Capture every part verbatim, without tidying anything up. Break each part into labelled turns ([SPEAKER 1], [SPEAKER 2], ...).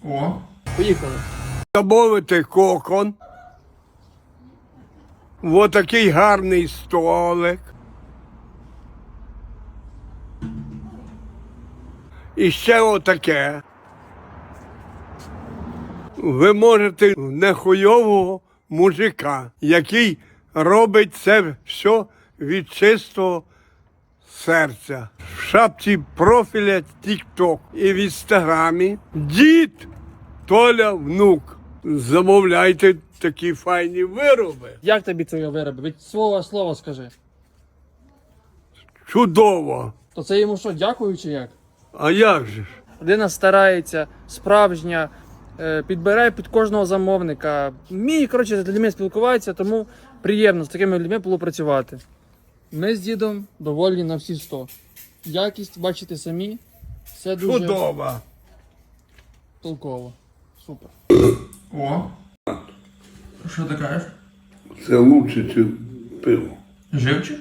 [SPEAKER 1] О, поїхали.
[SPEAKER 2] Замовити кокон. Ось такий гарний столик. І ще отаке. Ви можете нехуйового мужика, який робить це все від чистого серця. В шапці профіля TikTok і в інстаграмі дід Толя внук. Замовляйте такі файні вироби.
[SPEAKER 1] Як тобі твої вироби? Від свого слова скажи.
[SPEAKER 2] Чудово.
[SPEAKER 1] То це йому що, дякую чи як?
[SPEAKER 2] А як же ж?
[SPEAKER 1] Людина старається, справжня, е, підбирає під кожного замовника. Вміє, коротше, з людьми спілкуватися, тому приємно з такими людьми було працювати. Ми з дідом довольні на всі сто. Якість, бачите самі, все дуже
[SPEAKER 2] Чудово.
[SPEAKER 1] толково. Супер. О, що ти кажеш?
[SPEAKER 2] Це лучше, ніж пиво.
[SPEAKER 1] Живчик?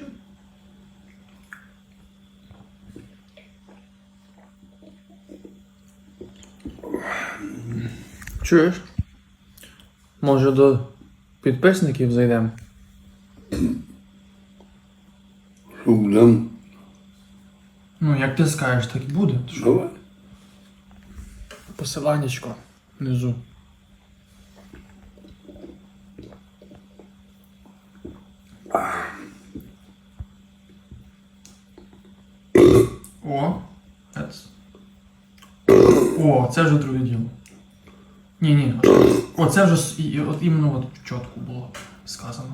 [SPEAKER 1] Чуєш? Може до підписників зайдемо?
[SPEAKER 2] Щоб нам...
[SPEAKER 1] Ну, як ти скажеш, так і буде.
[SPEAKER 2] Давай.
[SPEAKER 1] Посиланнячко внизу. О, ец. О, це вже друге діло. Ні, ні. О, це вже с- і- от іменно от чітко було сказано.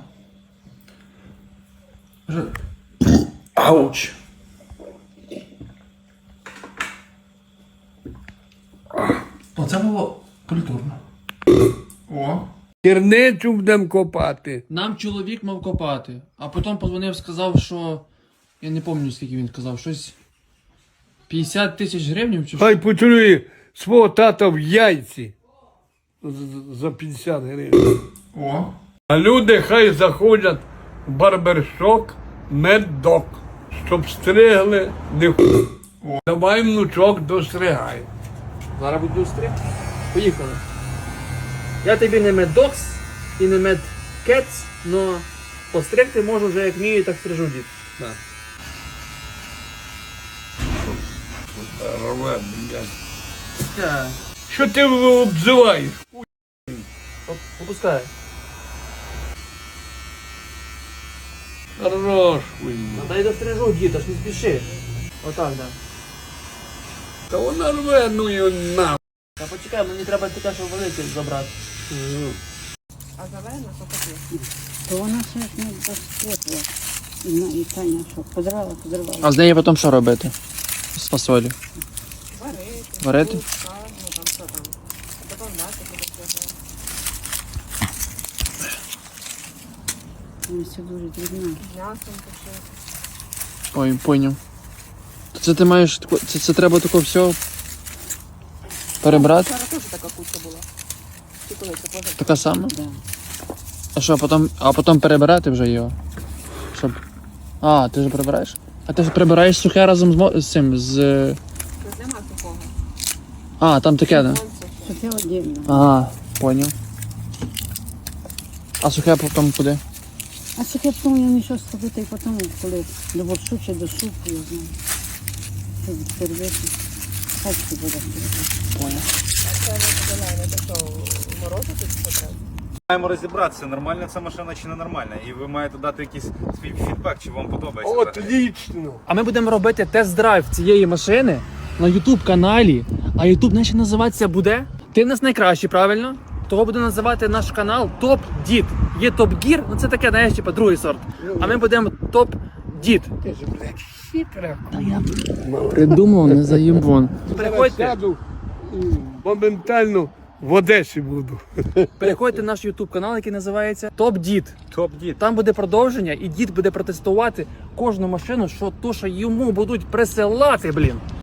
[SPEAKER 1] Вже... Ауч. Оце було культурно. О.
[SPEAKER 2] Керницю будемо копати.
[SPEAKER 1] Нам чоловік мав копати, а потім подзвонив, сказав, що... Я не пам'ятаю, скільки він сказав, щось... п'ятдесят тисяч гривень чи що?
[SPEAKER 2] Хай поцілує свого тата в яйці. З- За п'ятдесят гривень.
[SPEAKER 1] О.
[SPEAKER 2] А люди хай заходять в барбершоп меддок, щоб стригли не ху. Давай, внучок, достригай.
[SPEAKER 1] Зараз буду стриг. Поїхали. Я тобі не меддокс і не медкетс, но постригти можу вже як вмію, так стрижу дід. Да.
[SPEAKER 2] Рве, блядь.
[SPEAKER 1] Yeah.
[SPEAKER 2] Що ти обзиваєш?
[SPEAKER 1] Попускай.
[SPEAKER 2] Хорош, хуйня.
[SPEAKER 1] Дай дострижу дід, аж не спіши. Отак, да.
[SPEAKER 2] Та вона рве, ну і на.
[SPEAKER 1] Та почекай, мені треба таке, щоб велике забрати.
[SPEAKER 3] А зелена, то таке. То вона ще ж не досвітла. І, на- і Таня що, подрала, подрала.
[SPEAKER 1] А з нею потім що робити? З фасолі.
[SPEAKER 3] Варити.
[SPEAKER 1] Варити?
[SPEAKER 3] Кукса, ну там що там. Добавляти буде цього. Вона все дуже дрібна. М'ясом пошити.
[SPEAKER 1] Ой, поняв. То це ти маєш, тако- це, це треба тако все перебрати?
[SPEAKER 3] Вчора теж така куча була. Ти коли це поза?
[SPEAKER 1] Така сама?
[SPEAKER 3] Да.
[SPEAKER 1] А що, потім, а потім перебирати вже його? Щоб... А, ти ж прибираєш? А ти ж прибираєш сухе разом з, мо- з цим, з...
[SPEAKER 3] Тут нема такого.
[SPEAKER 1] А, там таке, да?
[SPEAKER 3] Що це отдельно.
[SPEAKER 1] Ага, поняв. А сухе потім куди?
[SPEAKER 3] А це я потім я нічого сходити і потім, коли до борщу чи до супу, я знаю. Щоб перебити. Хай це буде перебити.
[SPEAKER 1] Поняв.
[SPEAKER 4] Маємо розібратися, нормальна ця машина чи не нормальна. І ви маєте дати якийсь свій фідбек, чи вам подобається.
[SPEAKER 2] Отлично.
[SPEAKER 1] А ми будемо робити тест-драйв цієї машини на ютуб каналі. А ютуб наш називатися буде? Ти в нас найкращий, правильно? Того буде називати наш канал Топ Дід. Є Топ Гір, ну це таке, знаєш, типа другий сорт. А ми будемо Топ Дід.
[SPEAKER 2] Ти ж, блядь, хитра.
[SPEAKER 1] Та я придумав, не заїбон.
[SPEAKER 2] Зараз
[SPEAKER 1] Переходьте,
[SPEAKER 2] сяду і моментально в Одесі буду.
[SPEAKER 1] переходьте в наш ютуб канал, який називається Топ Дід.
[SPEAKER 4] Топ-дід.
[SPEAKER 1] Там буде продовження, і дід буде протестувати кожну машину, що то, що йому будуть присилати, блін.